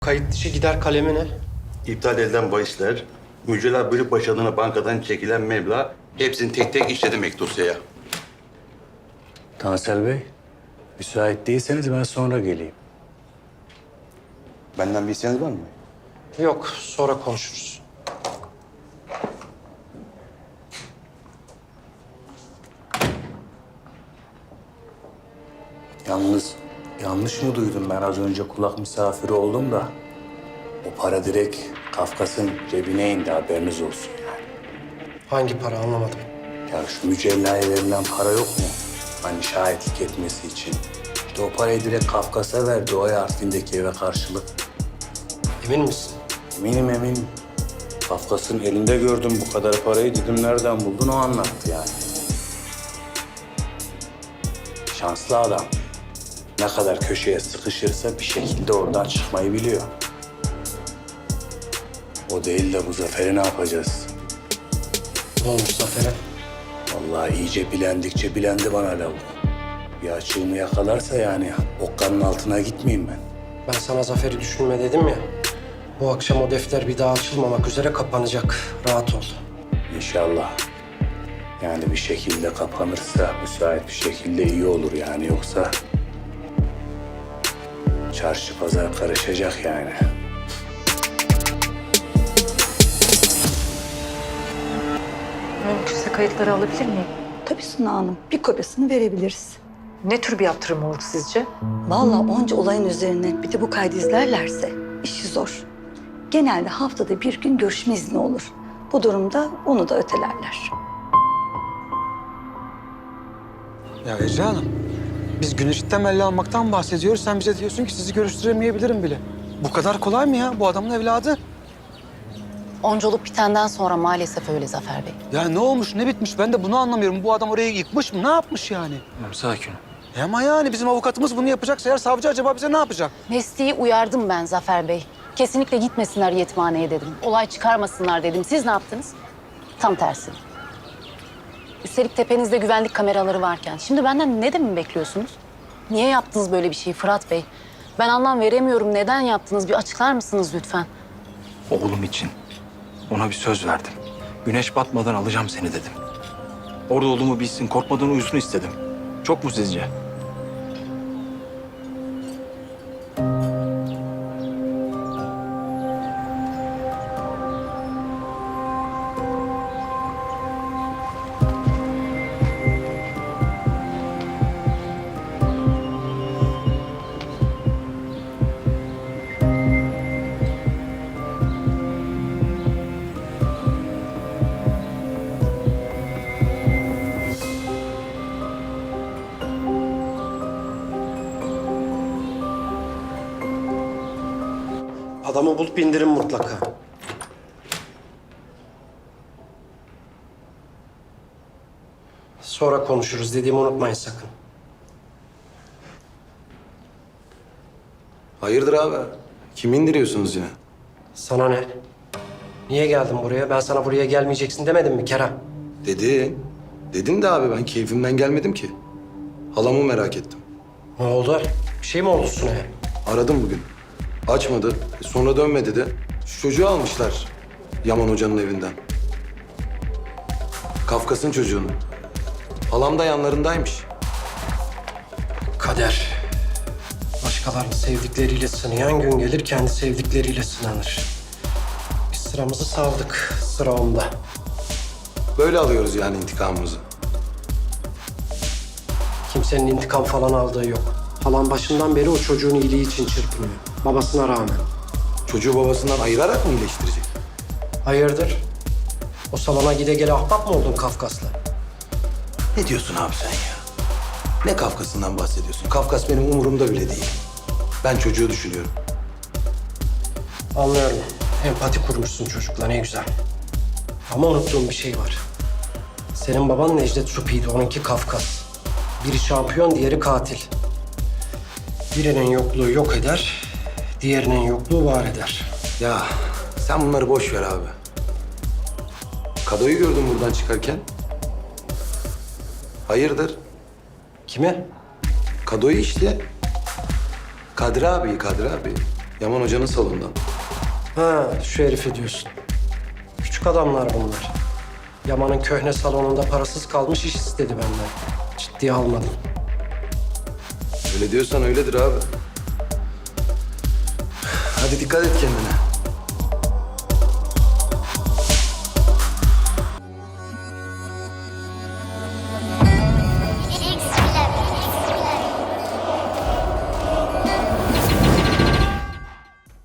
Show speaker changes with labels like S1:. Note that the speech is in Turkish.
S1: Kayıt dışı gider kalemi ne?
S2: İptal edilen bahisler, mücella bölük baş adına bankadan çekilen meblağ hepsini tek tek işledim ek dosyaya.
S3: Tansel Bey, müsait değilseniz ben sonra geleyim.
S2: Benden bir isteğiniz var mı?
S1: Yok, sonra konuşuruz.
S3: Yalnız yanlış mı duydum? Ben az önce kulak misafiri oldum da o para direkt Kafkas'ın cebine indi, haberiniz olsun yani.
S1: Hangi para anlamadım.
S3: Ya şu mücellaya verilen para yok mu? Hani şahitlik etmesi için. İşte o parayı direkt Kafkas'a verdi, o harfindeki eve karşılık.
S1: Emin misin?
S3: Eminim. Kafkas'ın elinde gördüm bu kadar parayı, dedim nereden buldun, o anlattı yani. Şanslı adam. Ne kadar köşeye sıkışırsa bir şekilde oradan çıkmayı biliyor. O değil de bu Zafer'i ne yapacağız?
S1: Ne olmuş Zafer'e?
S3: Vallahi iyice bilendikçe bilendi bana lavuk. Bir açığımı yakalarsa yani okkanın altına gitmeyeyim ben.
S1: Ben sana Zafer'i düşünme dedim ya. Bu akşam o defter bir daha açılmamak üzere kapanacak. Rahat ol.
S3: İnşallah. Yani bir şekilde kapanırsa müsait bir şekilde iyi olur yani, yoksa çarşı pazar karışacak yani.
S4: Mümkünse kayıtları alabilir miyim?
S5: Tabii Suna Hanım, bir kopyasını verebiliriz.
S4: Ne tür bir yaptırım olur sizce?
S5: Vallahi onca olayın üzerine bir de bu kaydı izlerlerse işi zor. Genelde haftada bir gün görüşme izni olur. Bu durumda onu da ötelerler.
S6: Ya Ece Hanım, biz güneşi temelli almaktan bahsediyoruz. Sen bize diyorsun ki sizi görüştüremeyebilirim bile. Bu kadar kolay mı ya? Bu adamın evladı.
S7: Onca olup bitenden sonra maalesef öyle Zafer Bey.
S6: Ya ne olmuş, ne bitmiş? Ben de bunu anlamıyorum. Bu adam orayı yıkmış mı? Ne yapmış yani?
S3: Sakin ol.
S6: Ama yani bizim avukatımız bunu yapacaksa eğer savcı acaba bize ne yapacak?
S7: Mesleği uyardım ben Zafer Bey. Kesinlikle gitmesinler yetimhaneye dedim. Olay çıkarmasınlar dedim. Siz ne yaptınız? Tam tersi. Üstelik tepenizde güvenlik kameraları varken. Şimdi benden ne demin bekliyorsunuz? Niye yaptınız böyle bir şeyi Fırat Bey? Ben anlam veremiyorum. Neden yaptınız? Bir açıklar mısınız lütfen?
S8: Oğlum için. Ona bir söz verdim. Güneş batmadan alacağım seni dedim. Orada olduğumu bilsin, korkmadan uyusun istedim. Çok mu sizce?
S1: Adamı bulup indirin mutlaka. Sonra konuşuruz dediğimi unutmayın sakın.
S9: Hayırdır abi? Kimi indiriyorsunuz ya?
S1: Sana ne? Niye geldin buraya? Ben sana buraya gelmeyeceksin demedim mi Kerem?
S9: Dedin de abi, ben keyfimden gelmedim ki. Halamı merak ettim.
S1: Ne oldu? Bir şey mi oldu Sunay'a?
S9: Aradım bugün. Açmadı. Sonra dönmedi de. Şu çocuğu almışlar Yaman Hoca'nın evinden. Kafkas'ın çocuğunu. Halam da yanlarındaymış.
S1: Kader. Başkalarını sevdikleriyle sınayan gün gelir, kendi sevdikleriyle sınanır. Biz sıramızı savdık, sıra onda.
S9: Böyle alıyoruz yani intikamımızı.
S1: Kimsenin intikam falan aldığı yok. Halan başından beri o çocuğun iyiliği için çırpınıyor. Babasına rağmen.
S9: Çocuğu babasından ayırarak mı iyileştirecek?
S1: Hayırdır? O salona gide gele ahbap mı oldun Kafkas'la?
S9: Ne diyorsun abi sen ya? Ne Kafkas'ından bahsediyorsun? Kafkas benim umurumda bile değil. Ben çocuğu düşünüyorum.
S1: Anlıyorum. Empati kurmuşsun çocukla, ne güzel. Ama unuttuğum bir şey var. Senin baban Necdet Supi'ydi, onunki Kafkas. Biri şampiyon, diğeri katil. Birinin yokluğu yok eder, diğerinin yokluğu var eder.
S9: Ya sen bunları boş ver abi. Kadoyu gördüm buradan çıkarken. Hayırdır?
S1: Kimi?
S9: Kadoyu işte. Kadri abi. Yaman Hoca'nın salonundan.
S1: Ha, şu herifi diyorsun. Küçük adamlar bunlar. Yaman'ın köhne salonunda parasız kalmış iş istedi benden. Ciddiye almadım.
S9: Öyle diyorsan öyledir abi. Hadi dikkat et kendine.